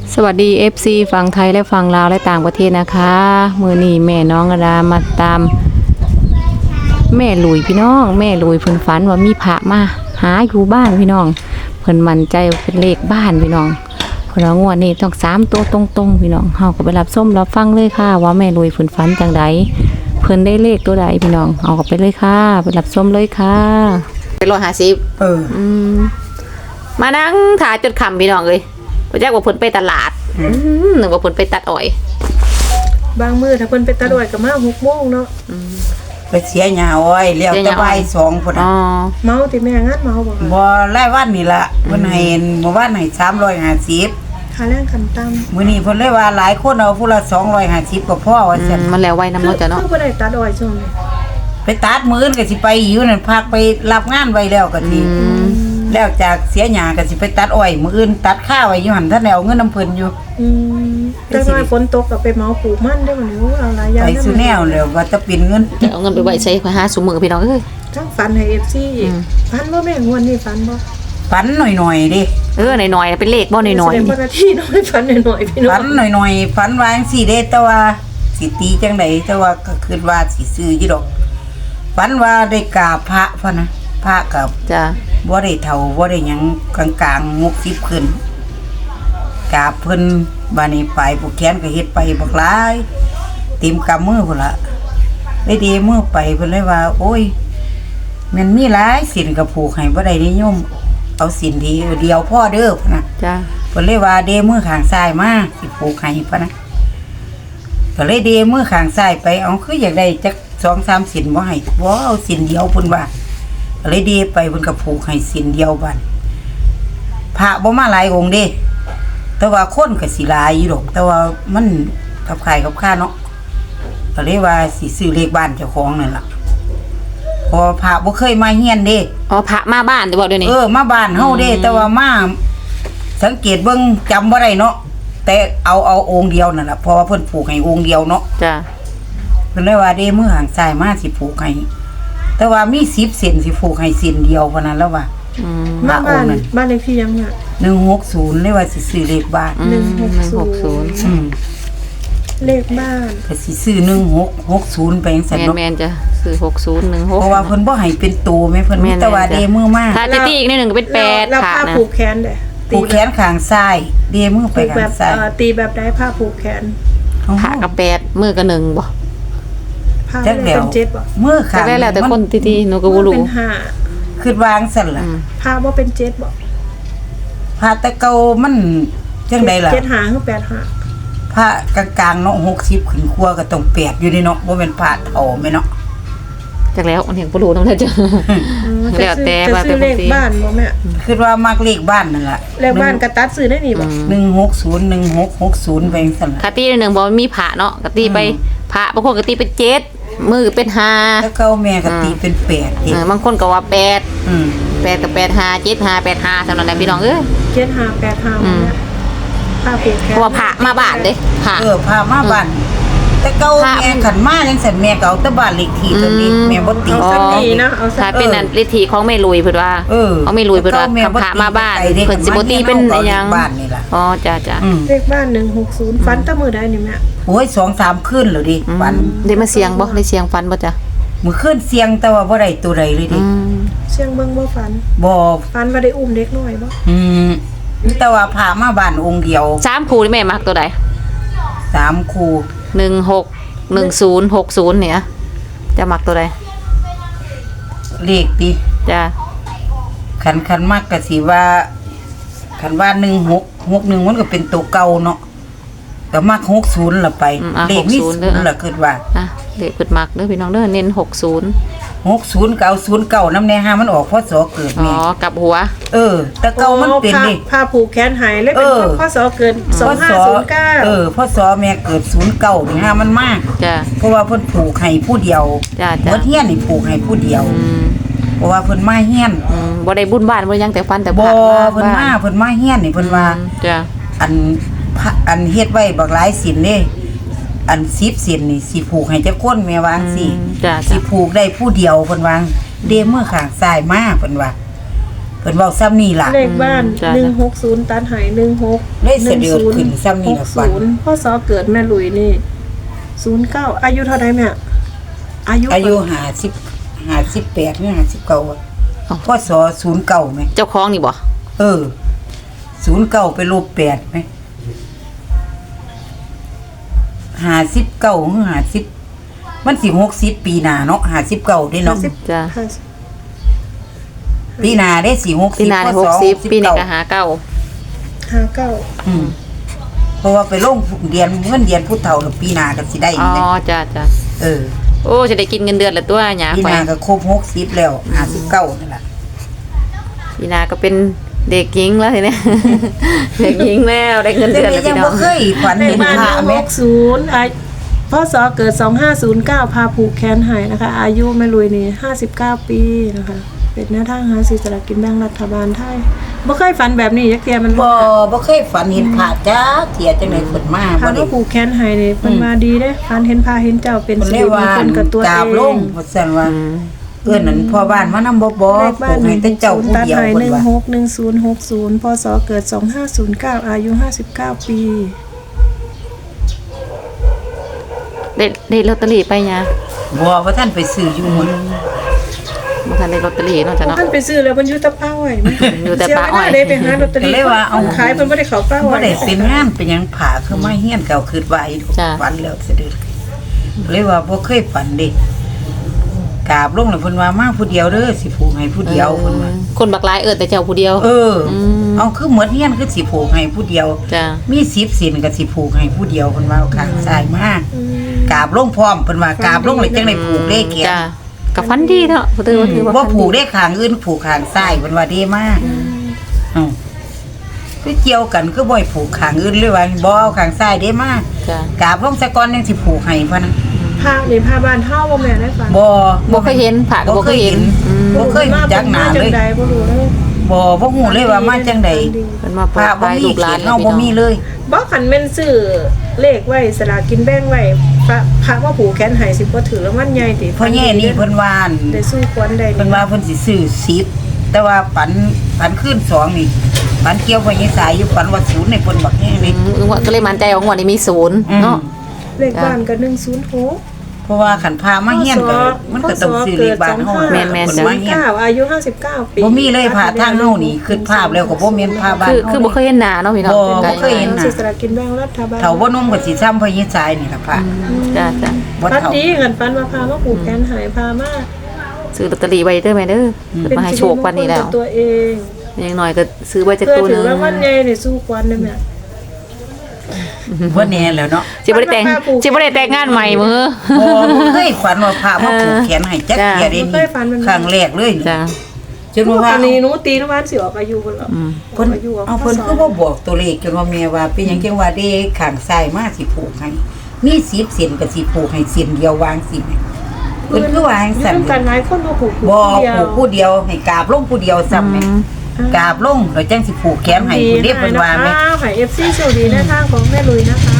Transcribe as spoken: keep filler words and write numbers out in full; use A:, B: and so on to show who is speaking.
A: สวัสดี เอฟ ซี ฝั่งไทยและฝั่งลาวและต่างประเทศนะคะมือนี้แม่น้องกระดามาตามแม่ลุยพี่น้องแม่ลุยเพิ่นฝันว่ามีพระมาหาอยู่บ้านพี่น้องเพิ่นมั่นใจเป็นเลขบ้านพี่น้องเพิ่นว่างวดนี้ต้องสามตัวตรงๆพี่น้องเฮาก็ไปรับส้มรับฟังเลยค่ะว่าแม่ลุยเพิ่นฝันจังใดเพิ่นได้เลขตัวใดพี่น้องเอาก็ไปเลยค่ะไปรับส้มเลยค่ะเป็นร้อยห้าสิบเอออืมมานั่งถ่ายจนค่ำพี่น้องเอ้ยบ่จักว่าเพิ่นไปตลาดนึกว่าเพิ่นไปตัดอ้อย
B: บางมื้อถ้าเพิ่นไปตัดอ้อยก็มาหกโมงเนาะ
C: ไปเสียหญ้าอ้อยแล้วแต่บ่ายสองพุ่นน่ะ
B: เมาติแม่งานเมาบ่
C: บ่รายวันนี่ล่ะเพิ่นให้เมื่อวานให้สามร้อยห้าสิบ
B: ค่าแรงขั้นต่ำ
C: มื้อนี้เพิ่นเลยว่าหลายคนเอาผู้ละสองร้อยห้าสิบก็พอว่าซั่น
A: มันแล้วไว้นำเนาะจ้ะเนาะ
B: คือบ่ได้ตัดอ้อยช่วงนี้
C: ไปตัดมื้อก็สิไปอยู่นั่นพักไปรับงานไว้แล้วก็สิแล้วจากเสียหญ้าก็สิไปตัดอ้อยมื้ออื่นตัดข้าวไว้อยู่หั่นท่านได้เอาเงินนำเพิ่นอยู่
B: อืมแต่ว่าฝนตกก็ไปเมาปลูกมันได้บ่นี่เอาหลายอย่าง
C: ไปสุแนวแล้วว่าจะเป็นเงิน
A: จะเอาเงินไปไว้ใช้ค่อยหาซุมื้อพี่น้องเอ้ย
B: ทั้งฝันให้ เอฟ ซี ฝันบ่แม่งวดนี้ฝันบ่
C: ฝันหน่อยๆดิ
A: เออหน่อยๆเป็นเลขบ่หน่อยๆ
B: เป็นนาทีน้อยฝันหน่อยๆพี่น้อง
C: ฝันหน่อยๆฝันว่าจังซี่เด้แต่ว่าสิตีจังได๋แต่ว่าก็คิดว่าสิซื้ออยู่ดอกฝันว่าได้กราบพระพ่อนะพระกับ
A: จ้ะ
C: บ่ได้เฒ่าบ่ได้หยังกลางๆหกสิบขึ้นกราบเพิ่นบัดนี้ไปผู้แขนก็เฮ็ดไปบักหลายเต็มกำมือพุ่นล่ะได้ดีมือไปเพิ่นเลยว่าโอ้ยมันมีหลายศีลก็ผูกให้บ่ได้นิยมเอาศีลทีเดียวพ่อเด้อพุ่นน่ะ
A: จ้ะ
C: เพิ่นเลยว่าเดมือข้างซ้ายมาสิผูกให้พุ่นน่ะก็เลยเดมือข้างซ้ายไปเอาคืออยากได้จัก สองสาม ศีลบ่ให้บ่เอาศีลเดียวพุ่นว่าก็เลยเดไปเพิ่นก็ผูกให้ศีลเดียวบัดพระบ่มาหลายองค์เด้แต่ว่าคนก็สิหลายอยู่ดอกแต่ว่ามันกับใครกับข้าเนาะก็เลยว่าสิซื้อเลขบ้านเจ้าของนั่นล่ะพอพระบ่เคยมาเฮียนเด้
A: อ๋อพระมาบ้านได้บ่เดี๋ยวนี้
C: เออมาบ้านเฮาเด้แต่ว่ามาสังเกตเบิ่งจำบ่ได้เนาะแต่เอาเอาองค์เดียวนั่นล่ะเพราะว่าเพิ่นผูกให้องค์เดียวเนาะ
A: จ้ะ
C: เพิ่นเลยว่าเด้มือข้างซ้ายมาสิผูกให้แต่ว่ามีสิบเส้นสิผูกให้เส้นเดียวเท่านั้นแล้วว่า
A: อืม
B: บ้านบ้านเลขที่ยังเนี่ย
C: หนึ่งหกศูนย์เลยว่าสิซื้อเลขบ้าน
B: หนึ่งหกศูนย์
C: อืม
B: เลขบ้าน
C: ก็สิซื้อหนึ่งหกหกศูนย์ไปจังซั่นเนาะ
A: แม่นๆจ้ะซื้อหกศูนย์ หนึ่งหก
C: เพราะว่าเพิ่นบ่ให้เป็นตัวแม่เพิ่นมีแต่ว่าเดมือมา
A: ถ้าจะตีอีกนิดนึงก็เป็นแปด
B: แล้วผ้าผูกแขนเด้
C: ผูกแขนข้างซ้ายเดมือไปข้างซ้าย
B: เอ่อตีแบบใดผ้าผูกแขน
A: ผ้ากับแปดมือก็หนึ่งบ่
B: ผ้าเป็นเจ็ดบ่
C: มือข้าง
A: ได้แล้วแต่คนตีๆหนูก็บ่รู้
B: เป็นห้า
C: คิดวางซั่นล่ะ
B: ผ้าบ่เป็นเจ็ดบ่
C: ผ้าตะเกามันจังได๋ล่ะ
B: เจ็ดห้าคือแปดห้า
C: ผ้ากลางๆเนาะหกสิบขึ้นครัวก็ต้องแปดอยู่นี่เนาะบ่แม่นผ้าเฒ่าแม่เนาะ
A: จักแล้วอันนี้บ่รู้นำจ้ะแล้วแต่ว่า
B: แต่เลขบ้านบ่แม่
C: คิดว่ามักเลขบ้านนั่นล่ะ
B: เลขบ้านก็ตัดซื้อได้นี่บ่
C: หนึ่งหกศูนย์ หนึ่งหกหกศูนย์ไปจังซั่นล่ะ
A: กะตีหนึ่งบ่มีพระเนาะกะตีไปพระบางคนก็ตีเป็นเจ็ดมือเป็นห้า
C: แล้วเก่าแม่ก็ตีเป็นแปด
A: เออบางคนก็ว่าแปด
C: อืม
A: แปดกับแปด ห้า เจ็ด ห้า แปด ห้าซั่นนั่นแหละพี่น้องเอ้ย
B: เจ็ด ห้า แปด ห้าผ้าผูกแขน
A: เพราะว่าพระมาบ้านเด้พระ
C: เออพามาบ้านแต่เก่าแม่ขันมาจังซั่นแม่ก็เอาแต่บ้านเลขที่ตัวนี้แม่บ่ตี
B: สักทีนะเอา
A: ถ้าเป็นอันเลขที่ของแม่ลุยเพิ่นว่า
C: เออ
A: เอาแม่ลุยเพิ่นว่าพระมาบ้านเพิ่นสิบ่ตีเป็นอีหยัง
C: บ้านนี่ล่ะ
A: อ๋อจ้ะ
B: ๆเลขบ้านหนึ่งหกศูนย์ฝันแต่มื้อใดนี่แม่
C: โอ้ย สองสาม คืนแล้วดิฝัน
A: ได้มาเสียงบ่ได้เสียงฝันบ่จ้ะ
C: มื้อคืนเสียงแต่ว่าบ่ได้ตัวใดเลยดิ
B: เสียงเบิ่งบ่ฝัน
C: บ่
B: ฝันว่าได้อุ้มเด็กน้อยบ่
C: อืมแต่ว่าพามาบ้านองค์เดียว
A: สามคู่นี่แม่มักตัวใด
C: สามคู่
A: หนึ่งหก หนึ่งศูนย์ หกศูนย์เนี่ยจะมักตัวใด
C: เลขติ
A: จ้ะ
C: คันคันมักก็สิว่าคันว่าหนึ่งหก หกหนึ่งมันก็เป็นตัวเก่าเนาะก็มักหกศูนย์ล่ะไปเลขมีศูนย์ล่ะคิดว่า
A: อ่ะเลขเพิ่นมักเด้อพี่น้องเด้อเน้นหกศูนย์
C: หกศูนย์เก้าศูนย์เก้านำแน่หามันออกพศเกิดแม่
A: อ๋อกลับหัว
C: เออแต่เก่ามันเป็นนี่
B: ผ้าผูกแขนหายเลยเป็นพศเกิดสองห้าศูนย์เก้า
C: เออพศแม่เกิดศูนย์เก้านี่หามันมาก
A: จ้ะ
C: เพราะว่าเพิ่นผูกให้ผู้เดียว
A: จ้ะ
C: ๆบ่เฮียนนี่ผูกให้ผู้เดียวเพราะว่าเพิ่นมาเฮียน
A: อืมบ่ได้บุญบ้านบ่ยังแต่ฟันแต่
C: บ่เพิ่นมาเพิ่นมาเฮียนนี่เพิ่นว่า
A: จ้ะ
C: อันอันเฮ็ดไว้บักหลายศีลเด้อันสิบศีลนี่สิผูกให้จักคนแม่ว่าจังซี่สิผูกได้ผู้เดียวเพิ่นว่าเดมือข้างซ้ายมาเพิ่นว่า ก็พิ่นเว้าซ้ำนี่ล่ะ
B: เลขบ้านหนึ่งหกศูนย์ตัดหายหนึ่งหก
C: เลขเสด็จขึ้นซ้ำนี่ล่ะฝัน
B: ศูนย์พ่อสอเกิดแม่หลุยนี่ศูนย์เก้าอายุเท่าไรแม่อายุ
C: อายุห้าสิบ ห้าสิบแปดหรือห้าสิบเก้าอะพศศูนย์เก้าไหม
A: เจ้าของนี่บ่
C: เออศูนย์เก้าไปลบแปดไหมห้าสิบเก้าหรือห้าสิบมันสิหกสิบปีหน้าเนาะห้าสิบเก้าได้เนาะ
A: จ้ะ
B: ห้าสิบ
C: ปีหน้าได้สี่หก
A: ปี
C: สิบ
A: หน้า
C: พ
A: ได้
C: ศ
A: หกสิบปีนี้
C: เก้า
A: ก็หาเก้า
B: ห้าเก้า
C: อืมเพราะว่าไปลงเรียนเงินเรียนผู้เฒ่าแล้วปีหน้าก็สิได้
A: อ๋อ
C: นี่
A: จ้ะจ้ะ
C: เออ
A: โอ้จะได้กินเงินเดือนละตัวหยา
C: ปี
A: ไป
C: หน้าก็ครบหกสิบแล้วห้าสิบเก้านั่นแหละ
A: ปีหน้าก็เป็นเด็กหญิงแล้วทีเนี้ย เด็กหญิงแล้วได้เงิน
C: แต่
A: เดือน
C: ก็
A: แล้ว
C: ยัง
A: พี่น้
C: บ่
A: อง
C: เคยฝัน
B: เล
C: เห็
B: ข
C: น
B: บ้าน
C: พระ
B: หนึ่ง
C: แม่
B: หกศูนย์อายุพ่อสอเกิดสองห้าศูนย์เก้าพาผูกแขนหายนะคะ อายุแม่ลุยนี่ห้าสิบเก้าปีนะคะ เป็นหน้าทางหาซื้อสลากกินแบ่งรัฐบาลไทยบ่เคยฝันแบบนี้ยักเทียมัน
C: บ่บ่เคยฝันเห็นพระจ้าเที่ยจังได๋เพิ่นมา
B: พา
C: บ่ได้
B: ว่าผูกแขนหายนี่เพิ่นมาดีเด้ฝันเห็นพาเห็นเจ้าเป็น
C: เพิ่น
B: สิ
C: เรี
B: ริ
C: ยก
B: ม
C: ว่าง
B: คลกับตัว
C: กราบ
B: เอ
C: ลง
B: ง
C: ว่าซั่นว่า
A: อืม
C: เอื้อนนั้นพ่อบ้านมานำบ่บ่
B: เลขบ้าน
C: ให้แต่เจ้าผู้
B: ตัด
C: เดียว
B: หาย
C: เพิ่นว่า
B: หนึ่งหกหนึ่งศูนย์หกศูนย์พศเกิดสองห้าศูนย์เก้าอายุห้าสิบเก้าปี
A: ได้ได้ลอตเตอรี่ไปหยา
C: บ่ว่าท่านไปซื้ออยู่หมด
A: บ่ทันได้ลอตเตอรี่เนาะจ้ะเนาะ
B: ท่านไปซื้อแล้วมันอยู่แตะป้าอ้อยมัน
A: อยู่แต่ป้าอ้อย
B: เสีเวลได้ไปหาลอตเตอรี่
C: ก็เลยว่าเอา
B: ขายเพิ่นบ่ได้เข้าป้าอ้
C: บ่
B: อย
C: ได้เป็นงานเป็นหยังผาคือมาเฮียนเก่าคิดว่าอีก
A: จ้ะ
C: ฝันแล้วสะดึกเลยว่าบ่เคยฝันเด้กราบลงแล้วเพิ่นว่ามาผู้เดียวเด้อสิผูกให้ผู้เดียวเพิ่นว่า
A: คนบักหลายเอิ้นแต่เจ้าผู้เดียว
C: เอออ
A: ม
C: เอาคือเหมือนเฮียนคือสิผูกให้ผู้เดียว
A: จ้ะ
C: มีสิบสินก็สิผูกให้ผู้เดียวเพิ่นว่าเอาข้างซ้ายมา
B: อืม
C: กราบลงพร้อมเพิ่นว่ากราบลงเลยจังได้ผูกเลขแขน
A: จ้ะก็ฝันดีเนาะบ่ถือว่าถือว่า
C: บ่
A: ฝัน
C: ผูก
A: ดี
C: เลขข้างอื่นผูกข้างซ้ายเพิ่นว่าดีมากเอ้าคือเกี่ยวกันคือบ่ให้ผูกข้างอื่นเลยว่าบ่เอาข้างซ้ายได้มาก
A: จ้ะ
C: กราบลงซะก่อนยังสิผูกให้พะนะ
B: พานี่พาบ้านเฮาบ่แม่นได้ฝัน
C: บ่
A: บ่เคยเห็นผ่าก็บ่เคยเห็นอืม
C: บ่เคยรู้จักหน้าเลย
B: จังใดบ่รู้เลย
C: บ่บ่ฮู้เลยว่ามาจังได๋
A: เพิ่นมา
C: พ
A: เปิด
C: ระบ่
A: ขาย
C: มี
A: ลูกห
C: เขี
A: ลาย น
C: นเฮาบ่มีเลย
B: บ่คันแม่นซื้อเลขไว้สลากกินแบ่งไว้พระพระว่าผูกแขนให้สิบ่ถือรางวัลใหญ่ติ
C: เพราะแง่นี่เพิ่นว่าอั่น
B: ได้สู้ควรได้
C: เพิ่นว่าเพิ่นสิซื้อสิบแต่ว่าปันปันขึ้นสองนี่ปันเกี่ยวกับยายสายอยู่ปันว่าศูนย์ในเพิ่นบักแห้ง
A: อื
C: นี่
A: มงวดก็เลยมั่นใจว่างวดนี้มีศูนย์
C: อืม
A: เนาะ
B: เลขบ้านก็หนึ่งศูนย์หก
C: เพราะว่าขันพามาเฮียนก็มันก็ต้องซื้อเลขบ้านเฮา
A: แม่นๆ
C: เพิ่นมาเฮียน
B: เก้าอายุห้าสิบเก้าปี
C: บ่มีเลยพาทางเฮานี่คือภาพแล้วก็บ่แม่นภาพบ้าน
A: คือ
C: เฮา
A: คือบ่เคยเห็นหน้าเนาะพี่น้อง
C: บ่
A: ไกล
C: บ่เคยเห็น
B: ซื้อสลากกินแบ่งรัฐบาล
C: เฒ่าบ่นุ่มก็สิซ้ำพอยายสายนี่ล่ะพะ
A: จ้ะจ้ะ
C: บ่
B: ปัน
C: เฒ่า
B: ดีเงินปันมาพามาผูกแขนหายพามา
A: ซื้อลอตเตอรี่ไว้เด้อแม่เด้ออมาให้โชควันนี้แล้ว
B: เป็สิริมงคลกับตัวเอง
A: อย่างน้อยก็ซื้อไว้จัก
B: เพื่อ
A: ตัวห
B: ถื
A: นึ
B: อง รางวัลใหญ่นี่สู้ควันได้แม่
C: บ่แน่แล้วเนาะ
A: สิบ่ได้แต่งสิบ่ได้แต่งงานใหม่มื้อ
C: บ่บ่เคยฝันว่าพามาผูกแขนให้จัก
A: จ้ะ
C: เที่ยเด้นี่ครั้งแรกเลยนี่
A: จ้ะ
C: จนว่า
B: อันนี้หนูตีนวันสิออกอายุเพิ่นหรอ
A: อืม
C: เพิ่น
B: อายุ
C: เอาเพิ่นคือบ่บอกตัวเลขจนว่าแม่ว่าเป็นหยังจังว่าเด้ข้างซ้ายมาสิผูกให้มีสิบเส้นก็สิผูกให้เส้นเดียววางสิแม่เพิ่นคือว่าจัง
B: อยู่
C: ซั่น
B: นำกันหลายคนบ่ผูก
C: บ่
B: เดียว
C: ผูกผู้เดียวให้กราบลงผู้เดียวซ้ำแม่กราบลงแล้วจังสิผูกแขนให้ผู้เรียบเพิ่นว่าแม่
B: ให้ เอฟ ซี โชคดีในทางของแม่ลุยนะคะ